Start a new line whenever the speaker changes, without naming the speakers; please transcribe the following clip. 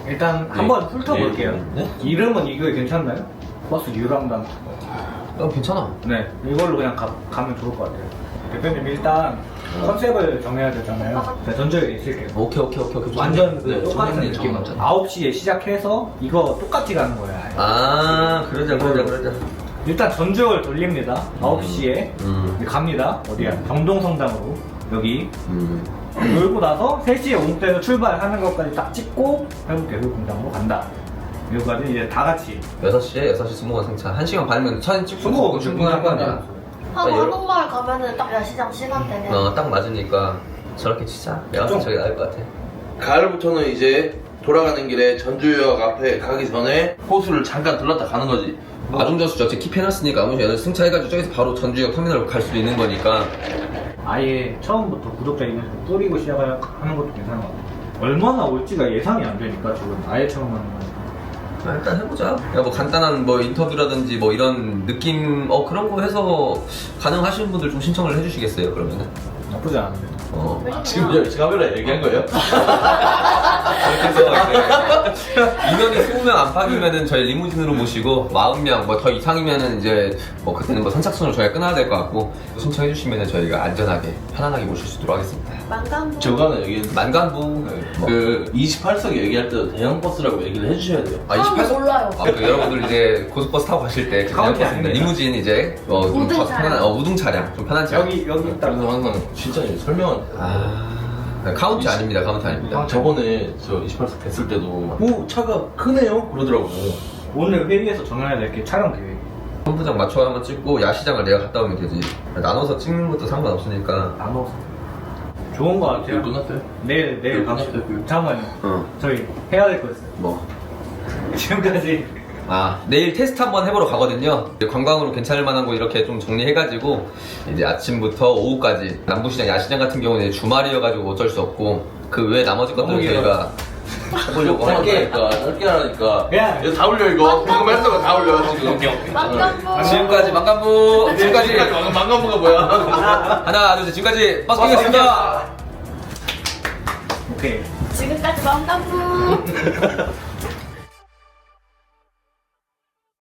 일단 한번 훑어볼게요.
네?
이름은 이거 괜찮나요? 버스 유랑단.
괜찮아.
네, 이걸로 그냥 가면 좋을 것 같아요. 대표님 일단 컨셉을 정해야 되잖아요. 네, 전적에 있을게요.
오케이.
완전
네,
똑같은
정해야
느낌.
맞잖아.
9시에 시작해서 이거 똑같이 가는 거예요. 아예.
아, 그러자.
일단 전주역을 돌립니다. 9시에 갑니다. 어디야? 경동성당으로 여기 놀고 나서 3시에 옹대에서 출발하는 것까지 딱 찍고 해운대교공장으로 간다. 여기까지 이제 다 같이
6시에 6시 스무건 승차 1시간 반이면 사진 찍고
스무건
충분할 거 아니야.
한옥마을 가면은 딱 야시장 시간대네.
딱 맞으니까 저렇게 치자. 내가
좀.
저게 나을 것 같아.
가을부터는 이제 돌아가는 길에 전주역 앞에 가기 전에 호수를 잠깐 들렀다 가는 거지.
아중저수 어차피 킵해놨으니까 아무 시나 승차해가지고 저기서 바로 전주역 터미널로 갈 수도 있는 거니까.
아예 처음부터 구독자 인원수 뿌리고 시작하는 것도 괜찮은 것 같아요. 얼마나 올지가 예상이 안 되니까 지금 아예 처음 하는 거니까.
일단 해보자. 야, 뭐 간단한 뭐 인터뷰라든지 뭐 이런 느낌 그런 거 해서 가능하신 분들 좀 신청을 해주시겠어요 그러면은?
나쁘지 않은데.
지금 여기 카메라 얘기한 거예요?
그렇게 해서 인원이 20명 안팎이면은 저희 리무진으로 모시고 40명 뭐 더 이상이면은 이제 뭐 그때는 뭐 선착순으로 저희가 끊어야 될 것 같고 신청해 주시면은 저희가 안전하게 편안하게 모실 수 있도록 하겠습니다.
만감부.
저거는 여기
만간부
그 28석 얘기할 때도 대형 버스라고 얘기를 해주셔야 돼요.
28석
몰라요.
그 여러분들 이제 고속버스 타고 가실 때 그냥
카운티
버스인데
아닙니다.
리무진 이제 좀
우등
더
차량.
편한 우등 차량 좀 편한 차량.
여기 딱
그래서 항상 진짜 설명을
카운티 아닙니다. 카운티 아닙니다.
저번에 저 28석 됐을 때도 오 차가 크네요 그러더라고.
오늘 회의에서 정해야 될 게 촬영 계획.
본부장 맞춰 한번 찍고 야시장을 내가 갔다 오면 되지. 나눠서 찍는 것도 상관없으니까.
나눠서. 좋은 것 같아요.
이거 끝났어요?
내일
이거
갑시다.
끝났어요?
잠깐만요. 저희 해야 될 거 있어요.
뭐?
지금까지
내일 테스트 한번 해보러 가거든요. 관광으로 괜찮을 만한 곳 이렇게 좀 정리해가지고 이제 아침부터 오후까지 남부시장, 야시장 같은 경우는 주말이어가지고 어쩔 수 없고 그 외 나머지 것들은
너무
저희가 해보려고 하는데
짧게 하니까
야.
이거 다 올려 이거 방금 했던 거 다 올려 지금.
만감부.
지금까지 망간부 지금까지
망간부가 뭐야?
하나 둘 셋 지금까지 버스킹이었습니다.
오케이.
지금까지 만감부.